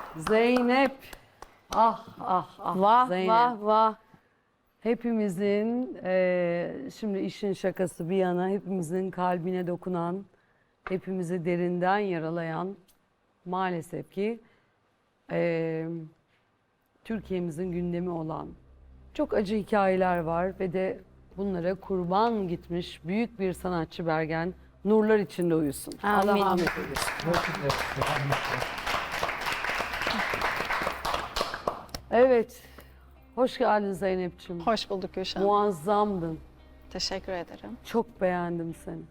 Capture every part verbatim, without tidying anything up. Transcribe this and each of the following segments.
Zeynep. Ah ah ah. Vah Zeynep. vah vah. Hepimizin eee, şimdi işin şakası bir yana hepimizin kalbine dokunan, hepimizi derinden yaralayan maalesef ki eee, Türkiye'mizin gündemi olan çok acı hikayeler var ve de bunlara kurban gitmiş büyük bir sanatçı Bergen nurlar içinde uyusun. Allah Amin. rahmet eylesin. Evet. Hoş geldin Zeynep'ciğim. Hoş bulduk Gülşen. Muazzamdın. Teşekkür ederim. Çok beğendim seni.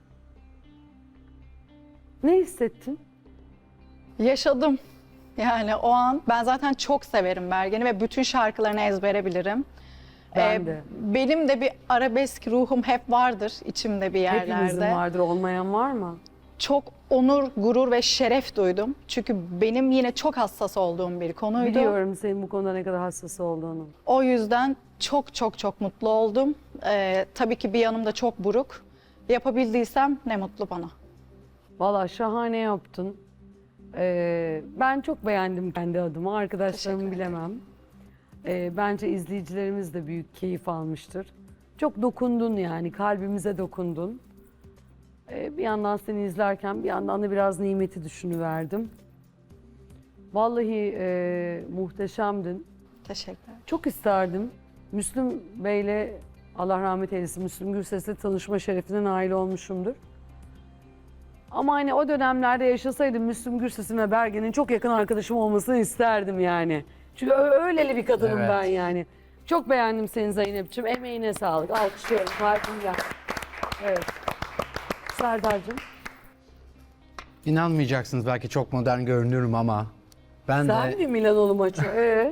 Ne hissettin? Yaşadım. Yani o an ben zaten çok severim Bergen'i ve bütün şarkılarını ezbere bilirim. Ben Ee, de. Benim de bir arabesk ruhum hep vardır içimde bir yerlerde. Hepimizin vardır, olmayan var mı? Çok onur, gurur ve şeref duydum. Çünkü benim yine çok hassas olduğum bir konuydu. Biliyorum senin bu konuda ne kadar hassas olduğunu. O yüzden çok çok çok mutlu oldum. Ee, tabii ki bir yanım da çok buruk. Yapabildiysem ne mutlu bana. Vallahi şahane yaptın. Ee, ben çok beğendim kendi adıma. Arkadaşlarımı Teşekkür ederim. bilemem. Ee, bence izleyicilerimiz de büyük keyif almıştır. Çok dokundun yani, kalbimize dokundun. Ee, bir yandan seni izlerken bir yandan da biraz Nimet'i düşünüverdim. Vallahi e, muhteşemdin. Teşekkürler. Çok isterdim. Müslüm Bey'le Allah rahmet eylesin Müslüm Gürses'le tanışma şerefine nail olmuşumdur. Ama hani o dönemlerde yaşasaydım Müslüm Gürses'in ve Bergen'in çok yakın arkadaşım olmasını isterdim yani. Çünkü ö- öyleli bir kadınım Evet. ben yani. Çok beğendim seni Zeynep'ciğim. Emeğine sağlık. Alkışlıyorum. Kalbimden. Evet. Serdar'cığım. İnanmayacaksınız, belki çok modern görünüyorum ama ben Sen de mi Milanoğlu maçı? Ee?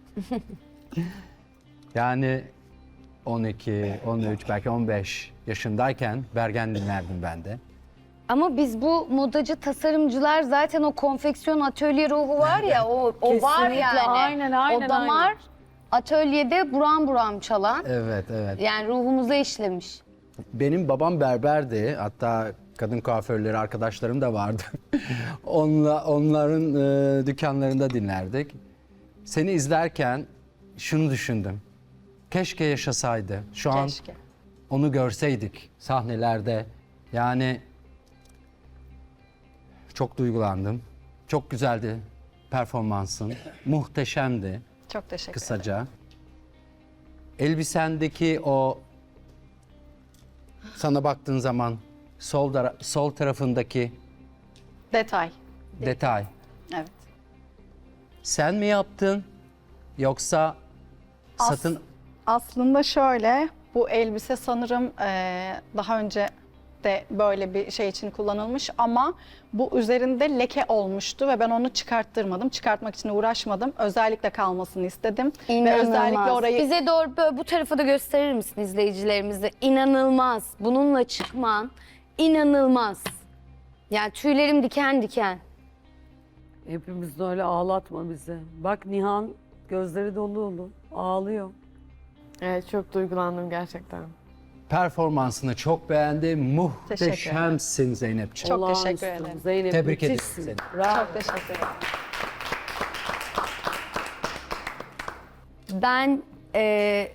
yani on iki, on üç, belki on beş yaşındayken Bergen dinlerdim ben de. Ama biz bu modacı tasarımcılar zaten o konfeksiyon atölye ruhu var ya o, o var Kesinlikle, yani. aynen, aynen, O damar aynen. atölyede buram buram çalan Evet, evet. yani ruhumuza işlemiş. Benim babam berberdi. Hatta kadın kuaförleri arkadaşlarım da vardı. Onla, onların e, dükkanlarında dinlerdik. Seni izlerken şunu düşündüm. Keşke yaşasaydı. Şu an Keşke. onu görseydik sahnelerde. Yani çok duygulandım. Çok güzeldi performansın. Muhteşemdi Çok teşekkür ederim. kısaca. Elbisendeki o sana baktığın zaman sol tara- sol tarafındaki Detay. detay Evet. sen mi yaptın yoksa As- satın Aslında şöyle, bu elbise sanırım eee, daha önce de böyle bir şey için kullanılmış ama bu üzerinde leke olmuştu ve ben onu çıkarttırmadım. Çıkartmak için uğraşmadım. Özellikle kalmasını istedim. Ve özellikle orayı Bize doğru böyle bu tarafı da gösterir misin izleyicilerimize? İnanılmaz. Bununla çıkman inanılmaz. Yani tüylerim diken diken. Hepimiz de öyle, ağlatma bizi. Bak Nihan gözleri dolu dolu ağlıyor. Evet, çok duygulandım gerçekten. performansını çok beğendim. Muhteşemsin Zeynepciğim. Çok teşekkür Olağanüstü. ederim. Zeynep Tebrik ederim müthişsin. seni. Bravo. çok teşekkür ederim. Ben e,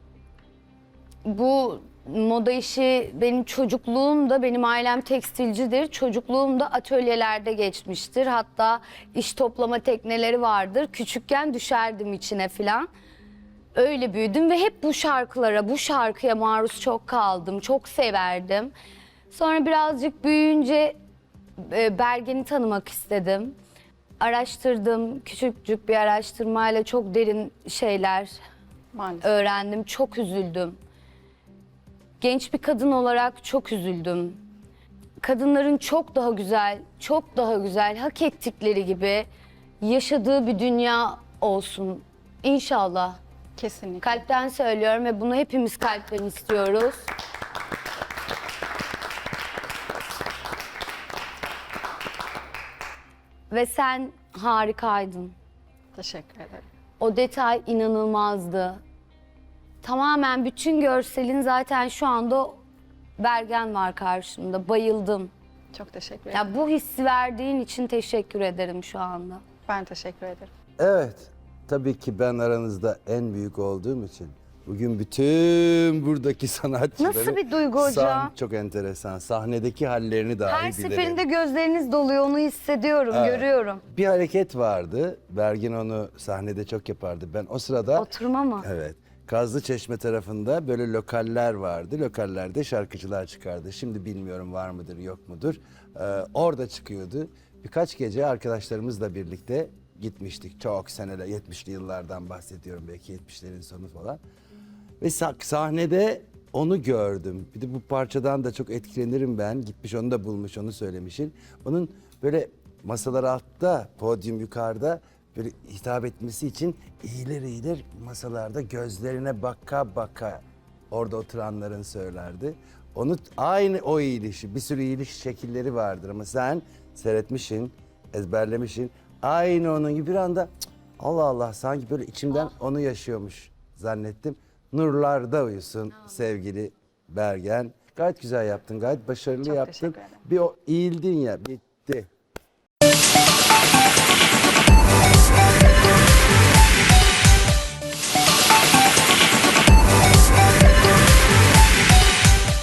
bu moda işi benim çocukluğumda, benim ailem tekstilcidir. Çocukluğumda atölyelerde geçmiştir. Hatta iş toplama tekneleri vardır. Küçükken düşerdim içine filan. Öyle büyüdüm ve hep bu şarkılara, bu şarkıya maruz çok kaldım. Çok severdim. Sonra birazcık büyüyünce e, Bergen'i tanımak istedim. Araştırdım. Küçücük bir araştırmayla çok derin şeyler Maalesef. öğrendim. Çok üzüldüm. Genç bir kadın olarak çok üzüldüm. Kadınların çok daha güzel, çok daha güzel, hak ettikleri gibi yaşadığı bir dünya olsun. İnşallah. Kesinlikle. Kalpten söylüyorum ve bunu hepimiz kalpten istiyoruz. Ve sen harikaydın. Teşekkür ederim. O detay inanılmazdı. Tamamen bütün görselin zaten şu anda Bergen var karşımda. Bayıldım. Çok teşekkür ederim. Ya bu hissi verdiğin için teşekkür ederim şu anda. Ben teşekkür ederim. Evet, tabii ki ben aranızda en büyük olduğum için bugün bütün buradaki sanatçıları... Nasıl bir duygu hocam? Sahn- çok enteresan. Sahnedeki hallerini dahi Her bilirim. seferinde gözleriniz doluyor, onu hissediyorum, Evet. görüyorum. Bir hareket vardı. Bergin onu sahnede çok yapardı. Ben o sırada... Oturma mı? Evet. Kazlıçeşme tarafında böyle lokaller vardı. Lokallerde şarkıcılar çıkardı. Şimdi bilmiyorum var mıdır yok mudur. Ee, orada çıkıyordu. Birkaç gece arkadaşlarımızla birlikte gitmiştik. Çok seneler, yetmişli yıllardan bahsediyorum, belki yetmişlerin sonu falan. Ve sah- sahnede onu gördüm. Bir de bu parçadan da çok etkilenirim ben. Gitmiş onu da bulmuş, onu söylemişsin. Onun böyle masalar altta, podyum yukarıda böyle hitap etmesi için eğilir eğilir masalarda gözlerine baka baka orada oturanların söylerdi. Onu aynı o eğilişi, bir sürü eğiliş şekilleri vardır ama sen seyretmişsin, ezberlemişsin. Aynı onun gibi bir anda cık, Allah Allah sanki böyle içimden onu yaşıyormuş zannettim. Nurlarda uyusun sevgili Bergen. Gayet güzel yaptın, gayet başarılı Çok yaptın. teşekkür ederim. Bir o eğildin ya, bitti.